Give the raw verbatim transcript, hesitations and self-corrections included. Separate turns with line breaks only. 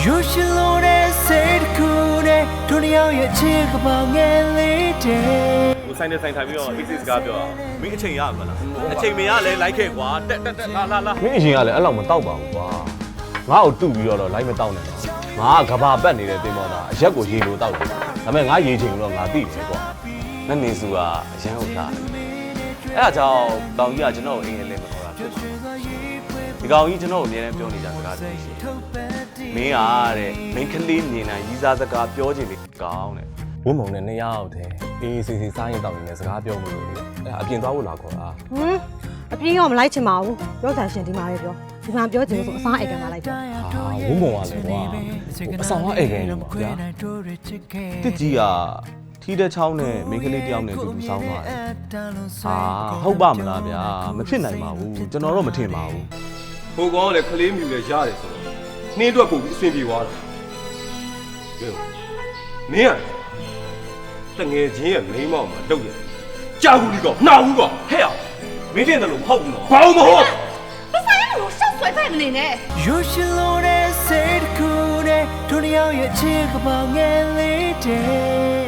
You should know that said cool day တို့ရောက်ရဲ့ချစ်ကပောင်ငယ်လေးတဲ့
ဆိုင်နဲ့ဆိုင်ထိုင်ပြီးတော့ exit စကားပြောအောင်မင်းအချိန်ရမှာလားအချိန်မရလဲလိုက်ခဲ့ကွာတက်တက်တက်လာလာလာ
မင်းအရင်ကလည်းအဲ့လောက်မတောက်ပါဘူးကွာငါ့ကိုတူပြီးတော့လိုက်မတောက်နဲ့ငါကကဘာပတ်နေတဲ့တင်မောတာအရက်ကိုရေလိုတောက်တယ်ဒါပေမဲ့ငါရေချိန်တော့ငါသိတယ်ကွာနတ်နေစုကအရန်ဟုတ်လားအဲ့ဒါကြောင့်တောင်ကြီးကကျွန်တော်ကိုအင်္ဂလိပ်မခေါ်တာဖြစ်ဒီကောင်ကြီးကျွန်တော်ကိုအမြဲတမ်းပြောနေကြစကားတွေရှိမင်းကတဲ့မင်းကလေးမြင်နိုင်ရီးစားစကားပြောချင်တယ်ကောင်းတဲ့ဝုံမုံနဲ့နှစ်ယောက်တည်းအေးစီစီစားရင်တောက်နေတယ်စကားပြောမလို့လေအဲ့အပြင်သွားဖို့လာခေါ်တာ
ဟမ်အပြင်းရောမလိုက်ချင်ပါဘူးပြောချင်ရှင်ဒီမှာပဲပြောဒီမှာပြောချင်လို့ဆိုအစားအိတ်ကန်လာလိုက်ပြော
ဟာဝုံမုံကလည်းကွာအဆောင်ကအိတ်ကန်နေပါဗျာတစ်ကြီးကထီးတဲ့ချောင်းနဲ့မိန်းကလေးတယောက်နဲ့တူတူဆောင်းသွားတယ်ဟာဟုတ်ပါမလားဗျာမဖြစ်နိုင်ပါဘူးကျွန်တော်တော့မထင်ပါဘူး
ဟိုကောင်ကလည်းခလေးမြူလည်းရတယ်ဆိုတော့နှင်းအတွက်ပို့ပြီးအဆင်ပြေသွားတာကဲမင်းကတငယ်ချင်းရဲ့မိန်းမောက်မှာလုပ်ရတယ်ကြောက်ဘူးဒီကောင်နှောက်ဘူးကောင်ဟဲ့အောင်မင်းတင်တယ်လို့မဟုတ်ဘူးနော်ဘာမှမဟုတ်
你啥也没有，少说在那里呢。
You should know that said cool day တို့ရောက်ရဲ့ချစ်ကပောင်ငယ်လေးတဲ့